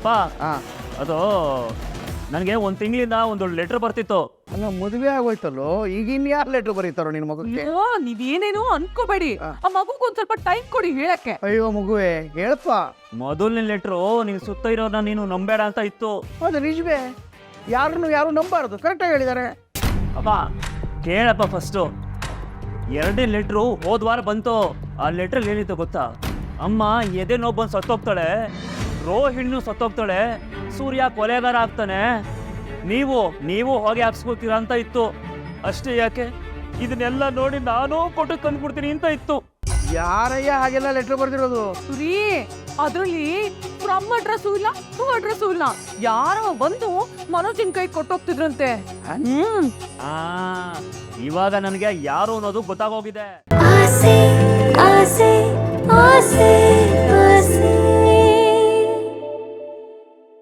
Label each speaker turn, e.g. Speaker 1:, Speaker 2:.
Speaker 1: ಅಪ್ಪ ಅದು ನನಗೆ ಒಂದು ತಿಂಗಳಿಂದ ಒಂದು ಲೆಟ್ರ್ ಬರ್ತಿತ್ತು.
Speaker 2: ಅಲ್ಲ ಮದುವೆ ಆಗೋಯ್ತಲ್ಲೋ, ಈಗ ಇನ್ಯಾರು ಲೆಟ್ರ್ ಬರೀತಾರೋ ನಿನ್ನ ಮಗುಗೆ?
Speaker 3: ನೀವೇನೇನು ಅನ್ಕೋಬೇಡಿ, ಆ ಮಗುಗೆ ಒಂದ್ ಸ್ವಲ್ಪ ಟೈಮ್ ಕೊಡಿ ಹೇಳಕ್ಕೆ.
Speaker 2: ಅಯ್ಯೋ ಮಗುವೆ ಹೇಳಪ್ಪ.
Speaker 1: ಮೊದಲನೇ ಲೆಟ್ರು ನೀನು ಸುತ್ತ ಇರೋನ ನೀನು ನಂಬೇಡ ಅಂತ ಇತ್ತು.
Speaker 2: ಹೌದು ನಿಜವೇ, ಯಾರು ನಂಬಾರದು, ಕರೆಕ್ಟಾಗಿ ಹೇಳಿದ್ದಾರೆ.
Speaker 1: ಅಪ್ಪ ಕೇಳಪ್ಪ ಫಸ್ಟು. ಎರಡನೇ ಲೆಟ್ರು ಹೋದ್ವಾರ ಬಂತು. ಆ ಲೆಟ್ರಲ್ಲಿ ಏನಿತ್ತು ಗೊತ್ತಾ? ಅಮ್ಮ ಎದೆ ನೋವು ಬಂದು ಸತ್ತೋಗ್ತಾಳೆ, ರೋಹಿಣಿನೂ ಸತ್ತೋಗ್ತಾಳೆ, ಸೂರ್ಯ ಕೊಲೆಗಾರ ಆಗ್ತಾನೆ, ನೀವು ಹೋಗಿ ಹಾಕ್ಸ್ಕೊತೀರಾ ಅಂತ ಇತ್ತು. ಅಷ್ಟೇ ಯಾಕೆ, ಇದನ್ನೆಲ್ಲ ನೋಡಿ ನಾನು ಕೊಟ್ಟು ತಂದ್ಬಿಡ್ತೀನಿ ಅಂತ ಇತ್ತು.
Speaker 2: ಯಾರಯ್ಯ ಹಾಗೆಲ್ಲ ಲೆಟ್ರ್ ಬರ್ದಿರೋದು?
Speaker 3: ಸುರಿ, ಅದ್ರಲ್ಲಿ ಫ್ರಮ್ ಅಡ್ರೆಸ್ಸು ಇಲ್ಲ, ಟು ಅಡ್ರೆಸ್ಸು ಇಲ್ಲ. ಯಾರೋ ಬಂದು ಮನೋಜಿನ ಕೈ ಕೊಟ್ಟೋಗ್ತಿದ್ರಂತೆ.
Speaker 1: ಇವಾಗ ನನಗೆ ಯಾರು ಅನ್ನೋದು ಗೊತ್ತಾಗೋಗಿದೆ.
Speaker 4: ಆಸೆ ಆಸೆ ಆಸೆ ಆಸೆ